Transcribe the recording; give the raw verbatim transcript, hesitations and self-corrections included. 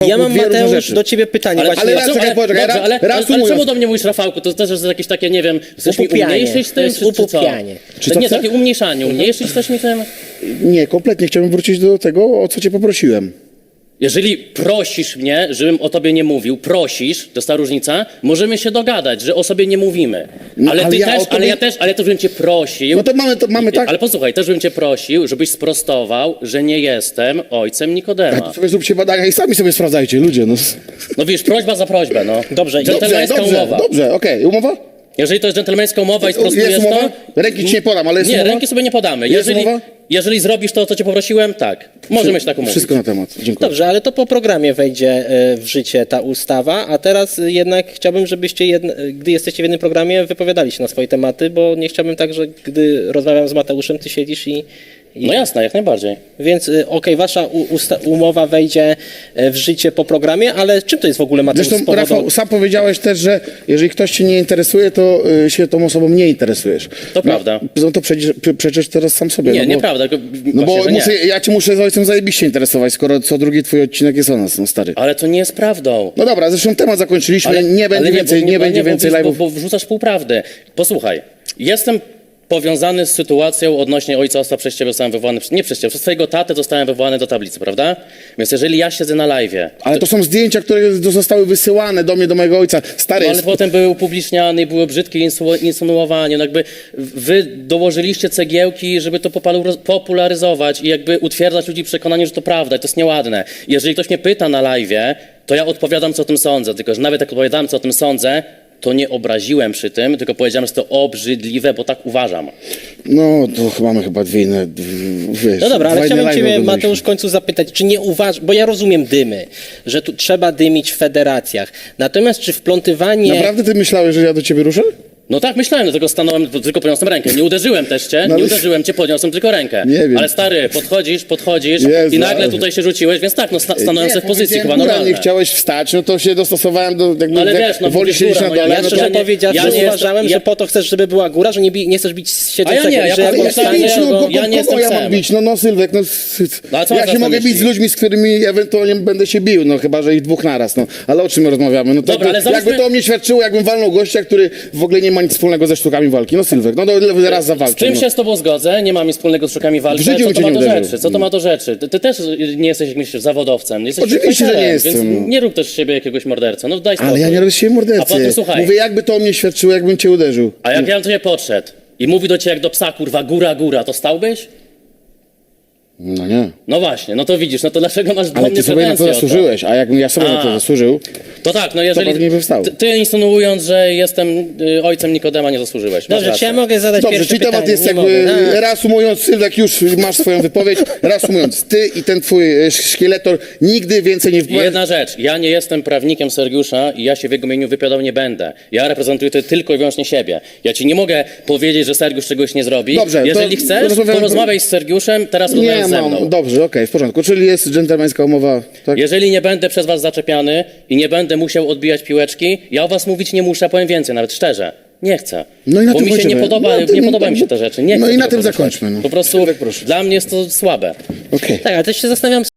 Ja mam, dwie różne Mateusz, rzeczy. do ciebie pytanie. Ale- właśnie. ale raz- Co, czekaj, poczekaj, dobrze, raz- ale, ale, ale reasumując. czemu do mnie mówisz, Rafałku? To też jest jakieś takie, nie wiem, chcesz mi Upupianie. umniejszyć To tym, jest czy, czy co? upupianie. Czy To to nie, chce? takie umniejszanie. Umniejszyć chcesz mi tym? Nie, kompletnie chciałbym wrócić do tego, o co cię poprosiłem. Jeżeli prosisz mnie, żebym o tobie nie mówił, prosisz, to jest ta różnica, możemy się dogadać, że o sobie nie mówimy. No, ale ale ty ja też, o tobie- ale ja też, ale to żebym cię prosił. No to mamy, to mamy tak... Ale posłuchaj, też bym cię prosił, żebyś sprostował, że nie jestem ojcem Nikodema. To sobie zróbcie badania i sami sobie sprawdzajcie, ludzie. No, No wiesz, prośba za prośbę, no. Dobrze, dobrze, Dżentelmeńska dobrze, umowa. dobrze, okej. Umowa? Jeżeli to jest dżentelmeńska umowa i sprostujesz Jest umowa? to... Ręki ci nie podam, ale jest Nie, umowa? ręki sobie nie podamy. Jest Jeżeli, umowa? jeżeli zrobisz to, co cię poprosiłem, tak. Możemy się tak umówić. Wszystko na temat. Dziękuję. Dobrze, ale to po programie wejdzie e, w życie ta ustawa, a teraz jednak chciałbym, żebyście, jedne, gdy jesteście w jednym programie, wypowiadali się na swoje tematy, bo nie chciałbym tak, że gdy rozmawiam z Mateuszem, ty siedzisz i... i... No jasne, jak najbardziej. Więc e, okej, wasza u, usta, umowa wejdzie e, w życie po programie, ale czym to jest w ogóle, Mateusz, z Zresztą, powodu... Rafał, sam powiedziałeś też, że jeżeli ktoś cię nie interesuje, to y, się tą osobą nie interesujesz. To no, prawda. No to przecież, przecież teraz sam sobie. Nie, no bo, nieprawda. tylko No właśnie, bo że nie. muszę, ja cię muszę z ojcem zajebiście interesować, skoro co drugi twój odcinek jest o nas, no stary. Ale to nie jest prawdą. No dobra, zresztą temat zakończyliśmy, nie będzie ale więcej, bo- nie, będzie bo- więcej bo, live'ów. Bo, bo wrzucasz półprawdy. Posłuchaj, jestem powiązany z sytuacją odnośnie ojca Osta, przez ciebie zostałem wywołany, nie przez ciebie, przez twojego tatę zostałem wywołany do tablicy, prawda? Więc jeżeli ja siedzę na live'ie, Ale to są zdjęcia, które zostały wysyłane do mnie, do mojego ojca. Stary, no, ale jest... potem były upubliczniane i były brzydkie insu- insynuowanie. No jakby wy dołożyliście cegiełki, żeby to popalu- popularyzować i jakby utwierdzać ludzi w przekonaniu, że to prawda i to jest nieładne. Jeżeli ktoś mnie pyta na live'ie, to ja odpowiadam, co o tym sądzę. Tylko, że nawet jak odpowiadałem, co o tym sądzę, to nie obraziłem przy tym, tylko powiedziałem, że to obrzydliwe, bo tak uważam. No to chyba mamy chyba dwie inne, dwie- wiesz... No dobra, ale dwa inne chciałbym live'y ciebie, oglądaliśmy. Mateusz, w końcu zapytać, czy nie uważasz, bo ja rozumiem dymy, że tu trzeba dymić w federacjach, natomiast czy wplątywanie... Naprawdę ty myślałeś, że ja do ciebie ruszę? No tak, myślałem, no tylko stanąłem, tylko podniosłem rękę. Nie uderzyłem też cię, No nie ale- uderzyłem cię, podniosłem tylko rękę. Nie wiem. Ale stary, podchodzisz, podchodzisz Jezu, i nagle ale- tutaj się rzuciłeś, więc tak, no sta- stanąłem Nie, sobie w pozycji, powiedziałem chyba góra, normalne. nie chciałeś wstać, no to się dostosowałem do... Jakby, No ale jak wiesz, no wolisz mówisz siedzieć góra, na no ja dole, Ja no to... szczerze nie- powiedziawszy ja nie jestem- uważałem, ja- że po to chcesz, żeby była góra, że nie, bi- nie chcesz bić siedzącego. nie, ja że ale Ale ja jak nie bić, jestem- no, ja- kogo, ja nie kogo jestem ja mam psem. bić? No, no Sylwek, no, No, a co ja masz się na mogę myśli? bić z ludźmi, z którymi ewentualnie będę się bił, no chyba, że ich dwóch naraz, no. Ale o czym my rozmawiamy? No to Dobra, jakby, ale załóżmy- jakby to o mnie świadczyło, jakbym walnął gościa, który w ogóle nie ma nic wspólnego ze sztukami walki. No Sylwek, no to raz Z zawalczył. tym no. się z tobą zgodzę, nie mam nic wspólnego z sztukami walki, W życiu ale co bym to cię ma nie do uderzył. rzeczy? Co to ma do rzeczy? Ty, ty też nie jesteś jakimś zawodowcem, jesteś Oczywiście, że nie fighterem, jestem, więc no. nie rób też z siebie jakiegoś mordercę, no daj spokój. Ale ja nie robię się A mordercy. potem słuchaj, Mówię, jakby to o mnie świadczyło, jakbym cię uderzył. a jak ja bym do ciebie podszedł i mówi do ciebie jak do psa, kurwa, góra, góra, to stałbyś? No nie. No właśnie, no to widzisz, no to dlaczego masz do Ale mnie ty sobie na to pretensje o zasłużyłeś, a jakbym ja sobie na to A. zasłużył, To tak, no jeżeli pewnie by wstał. ty, ty insynuując, że jestem y, ojcem Nikodema, nie zasłużyłeś. Masz Dobrze, czy ja rację. mogę zadać Dobrze, pierwsze czyli temat pytanie? jest Nie jakby, mogę. A. reasumując, Sylwek, już masz swoją wypowiedź, reasumując, ty i ten twój e, szkieletor nigdy więcej nie I wpływasz. jedna rzecz, ja nie jestem prawnikiem Sergiusza i ja się w jego imieniu wypowiadał nie będę. Ja reprezentuję tutaj tylko i wyłącznie siebie. Ja ci nie mogę powiedzieć, że Sergiusz czegoś nie zrobi. Dobrze, to jeżeli chcesz, rozmawiamy- porozmawiaj z Sergiuszem, teraz Nie rozmawiaj ze mam, mną. dobrze, okej, w porządku, czyli jest dżentelmeńska umowa, tak? Jeżeli nie będę przez was zaczepiany i nie będę musiał odbijać piłeczki, ja o was mówić nie muszę, powiem więcej, nawet szczerze. Nie chcę. No i na Bo tym mi się nie, kończymy. podoba, No, tym- nie podobają mi się te rzeczy. Nie no chcę i na tego tym pomyśleć. zakończmy, no. Po prostu Sylwek, proszę. dla mnie jest to słabe. Okej. Tak, ale też się zastanawiam,